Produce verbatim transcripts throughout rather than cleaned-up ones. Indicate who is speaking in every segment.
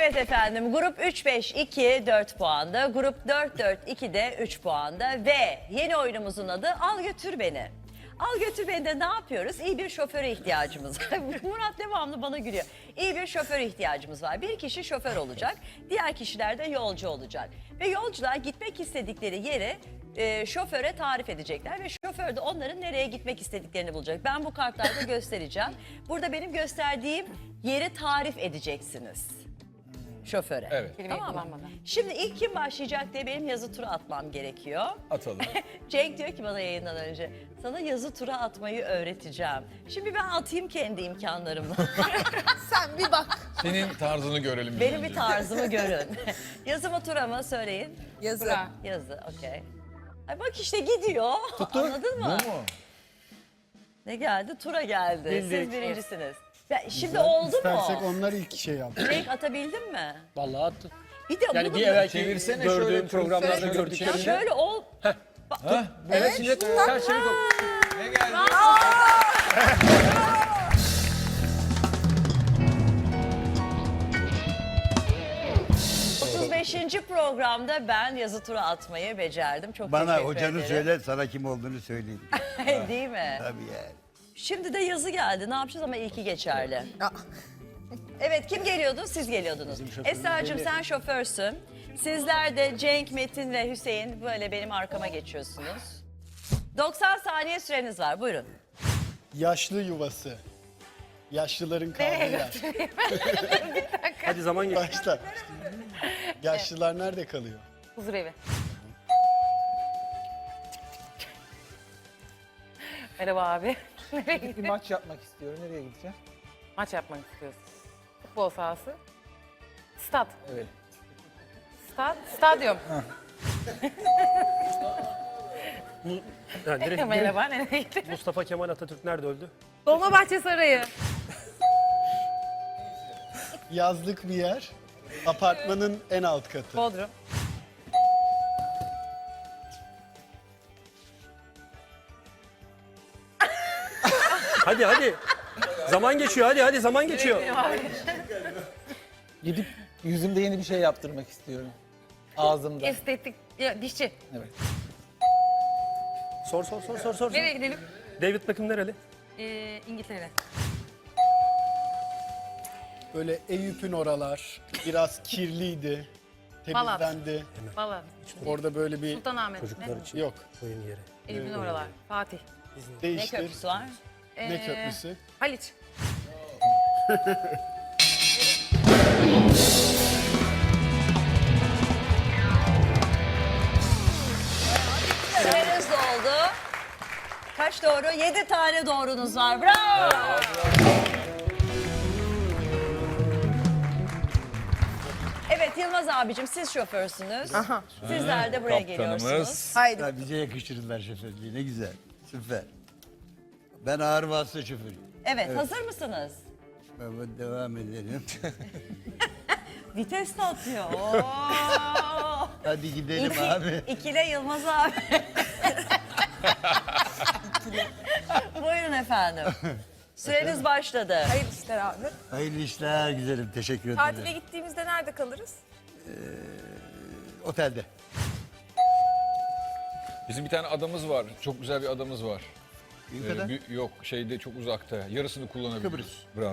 Speaker 1: Evet efendim, grup üç beş iki dört puanda, grup dört dört iki de üç puanda ve yeni oyunumuzun adı Al Götür Beni. Al Götür Beni'de ne yapıyoruz? İyi bir şoföre ihtiyacımız var. Murat devamlı bana gülüyor. İyi bir şoföre ihtiyacımız var. Bir kişi şoför olacak, diğer kişiler de yolcu olacak. Ve yolcular gitmek istedikleri yeri e, şoföre tarif edecekler ve şoför de onların nereye gitmek istediklerini bulacak. Ben bu kartlarda göstereceğim. Burada benim gösterdiğim yeri tarif edeceksiniz şoföre.
Speaker 2: Evet.
Speaker 1: Tamam mı? Şimdi ilk kim başlayacak diye benim yazı tura atmam gerekiyor.
Speaker 2: Atalım.
Speaker 1: Cenk diyor ki bana yayından önce, sana yazı tura atmayı öğreteceğim. Şimdi ben atayım kendi imkanlarımla.
Speaker 3: Sen bir bak.
Speaker 2: Senin tarzını görelim. biz
Speaker 1: Benim
Speaker 2: önce.
Speaker 1: bir tarzımı görün. Yazı mı tura mı söyleyin.
Speaker 3: Yazı.
Speaker 4: Tura.
Speaker 1: Yazı, okey. Ay bak işte gidiyor. Anladın mı?
Speaker 2: Bu mu?
Speaker 1: Ne geldi? Tura geldi. Siz
Speaker 4: Bildik.
Speaker 1: birincisiniz. Ya şimdi oldu
Speaker 5: İstersek
Speaker 1: mu?
Speaker 5: onlar ilk şey yaptı.
Speaker 1: Cenk atabildin mi?
Speaker 4: Vallahi attı.
Speaker 1: Bir de
Speaker 4: Yani
Speaker 1: bunu
Speaker 4: bir
Speaker 1: da-
Speaker 4: evvelki
Speaker 2: Çevirsene
Speaker 4: gördüğüm
Speaker 2: şöyle,
Speaker 4: programlarda
Speaker 2: şöyle
Speaker 1: Ya
Speaker 4: gördüklerimde.
Speaker 1: şöyle ol.
Speaker 2: Ha?
Speaker 4: Evet şimdi ters çevir.
Speaker 2: Ne geldi?
Speaker 1: otuz beşinci programda ben yazı tura atmayı becerdim. Çok
Speaker 6: Bana
Speaker 1: teşekkür
Speaker 6: hocanı
Speaker 1: ederim.
Speaker 6: söyle, sana kim olduğunu söyleyeyim.
Speaker 1: Değil mi?
Speaker 6: Tabii yani.
Speaker 1: Şimdi de yazı geldi. Ne yapacağız ama ilki geçerli. Evet, kim geliyordu? Siz geliyordunuz. Esra'cığım sen şoförsün. Sizler de Cenk, Metin ve Hüseyin böyle benim arkama geçiyorsunuz. doksan saniye süreniz var. Buyurun.
Speaker 5: Yaşlı yuvası. Yaşlıların kaldığı yer.
Speaker 4: Hadi zaman geç.
Speaker 5: Başla. Yaşlılar nerede kalıyor?
Speaker 4: Huzur evi. Merhaba abi. Nereye
Speaker 7: Bir
Speaker 4: gittin?
Speaker 7: maç yapmak istiyorum. Nereye gideceğim?
Speaker 4: Maç yapmak istiyorsun. Futbol sahası. Stat.
Speaker 7: Evet.
Speaker 4: Stat. Stadyum.
Speaker 8: Ha, direkt,
Speaker 4: Merhaba. Nereye gittin?
Speaker 8: Mustafa Kemal Atatürk nerede öldü?
Speaker 4: Dolmabahçe Sarayı.
Speaker 5: Yazlık bir yer. Apartmanın en alt katı.
Speaker 4: Bodrum.
Speaker 8: Hadi hadi. Zaman geçiyor hadi hadi zaman geçiyor.
Speaker 7: Gidip yüzümde yeni bir şey yaptırmak istiyorum. Ağzımda.
Speaker 4: Estetik. Ya, dişçi.
Speaker 7: Evet.
Speaker 8: Sor sor sor sor sor.
Speaker 4: Nereye gidelim?
Speaker 8: David Beckham nereli?
Speaker 4: Ee, İngiltere.
Speaker 5: Böyle Eyüp'ün oralar. Biraz kirliydi.
Speaker 4: Balat.
Speaker 5: Temizlendi.
Speaker 4: Valla.
Speaker 5: Orada böyle bir...
Speaker 4: Sultanahmet.
Speaker 8: Çocuklar
Speaker 4: Ne?
Speaker 8: için
Speaker 5: Yok.
Speaker 8: oyun yeri.
Speaker 4: Eyüp'ün oralar. Fatih.
Speaker 1: Ne
Speaker 5: Değiştir.
Speaker 1: köprüsü var?
Speaker 5: Ne
Speaker 4: Ee,
Speaker 5: köprüsü?
Speaker 4: Haliç.
Speaker 1: Süreniz doldu. Kaç doğru? Yedi tane doğrunuz var. Bravo. Evet Yılmaz abicim siz şoförsünüz. Sizler de buraya geliyorsunuz.
Speaker 2: Kaptanımız.
Speaker 3: Haydi.
Speaker 6: Ya bize yakıştırırlar şoförlüğü, ne güzel. Süper. Ben ağır vasıta şoförüyüm.
Speaker 1: Evet, hazır mısınız?
Speaker 6: Baba devam edelim.
Speaker 1: Vites de atıyor. Oo.
Speaker 6: Hadi gidelim
Speaker 1: İki,
Speaker 6: abi.
Speaker 1: ikile Yılmaz abi. Buyurun efendim. Süreniz başladı.
Speaker 3: Hayırlı işler abi.
Speaker 6: Hayırlı işler güzelim, teşekkür ederim.
Speaker 3: Tatile gittiğimizde nerede kalırız?
Speaker 6: Otelde.
Speaker 2: Bizim bir tane adamız var. Çok güzel bir adamız var.
Speaker 6: İyi
Speaker 2: Ee,
Speaker 6: kadar.
Speaker 2: bir- yok şeyde çok uzakta. Yarısını kullanabiliyoruz.
Speaker 6: Kıbrıs.
Speaker 2: Bravo.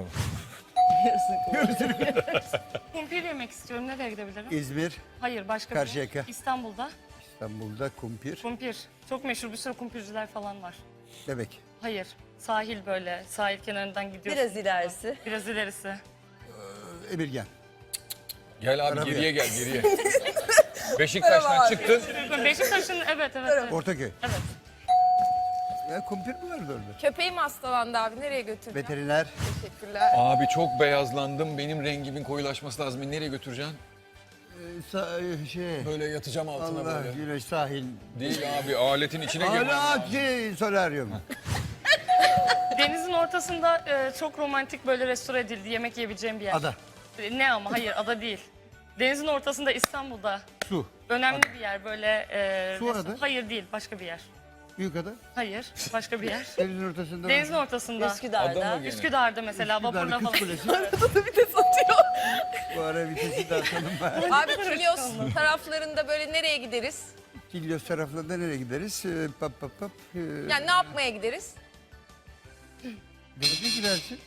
Speaker 9: Kumpir yemek istiyorum. Nereye gidebilirim?
Speaker 6: İzmir,
Speaker 9: Hayır başka
Speaker 6: Karşıyaka.
Speaker 9: bir. İstanbul'da.
Speaker 6: İstanbul'da kumpir,
Speaker 9: Kumpir. Çok meşhur bir sürü kumpirciler falan var.
Speaker 6: Bebek.
Speaker 9: Hayır. Sahil böyle. Sahil kenarından gidiyorsun.
Speaker 1: Biraz ilerisi.
Speaker 9: Biraz ilerisi.
Speaker 6: Emirgan.
Speaker 2: Gel abi
Speaker 6: Arabaya.
Speaker 2: geriye gel geriye. Beşiktaş'tan çıktın.
Speaker 9: Beşiktaş'ın evet evet. evet.
Speaker 6: Ortaköy.
Speaker 9: Evet.
Speaker 6: Ya kumpir mi vardı orada?
Speaker 3: Köpeğim hastalandı abi. Nereye götüreceğim?
Speaker 6: Veteriner.
Speaker 3: Teşekkürler.
Speaker 2: Abi çok beyazlandım. Benim rengimin koyulaşması lazım. Beni nereye götüreceksin?
Speaker 6: Ee, sa- şey.
Speaker 2: Böyle yatacağım altına
Speaker 6: Allah
Speaker 2: böyle.
Speaker 6: güneş sahil.
Speaker 2: Değil abi aletin içine girmem
Speaker 6: Hala
Speaker 2: lazım.
Speaker 6: şey, solaryum.
Speaker 9: Denizin ortasında e, çok romantik böyle restore edildi. Yemek yiyebileceğim bir yer.
Speaker 6: Ada.
Speaker 9: E, Ne ama hayır ada değil. Denizin ortasında İstanbul'da.
Speaker 6: Su.
Speaker 9: Önemli bir yer böyle. E,
Speaker 6: Su
Speaker 9: resto-
Speaker 6: ada.
Speaker 9: Hayır değil başka bir yer.
Speaker 6: Büyükada.
Speaker 9: Hayır başka bir yer.
Speaker 6: Denizin ortasında.
Speaker 9: Denizin ortasında.
Speaker 1: Üsküdar'da.
Speaker 2: Adamı gene.
Speaker 9: Üsküdar'da mesela
Speaker 6: Üsküdar'da
Speaker 9: vapurla
Speaker 6: Kız
Speaker 9: falan.
Speaker 6: Kulesi.
Speaker 3: Arada da bir de satıyor.
Speaker 6: Bu ara vitesi de atalım bari.
Speaker 3: Abi Kilyos taraflarında böyle nereye gideriz?
Speaker 6: Kilyos taraflarında nereye gideriz? Ee, pap pap pap. Ee,
Speaker 3: Yani ne yapmaya gideriz?
Speaker 6: denize girersin.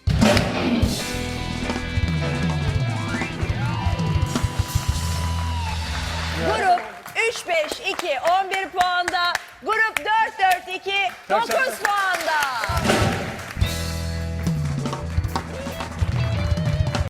Speaker 1: Grup üç beş iki on bir puanda. Grup dört dört iki dokuz puanda.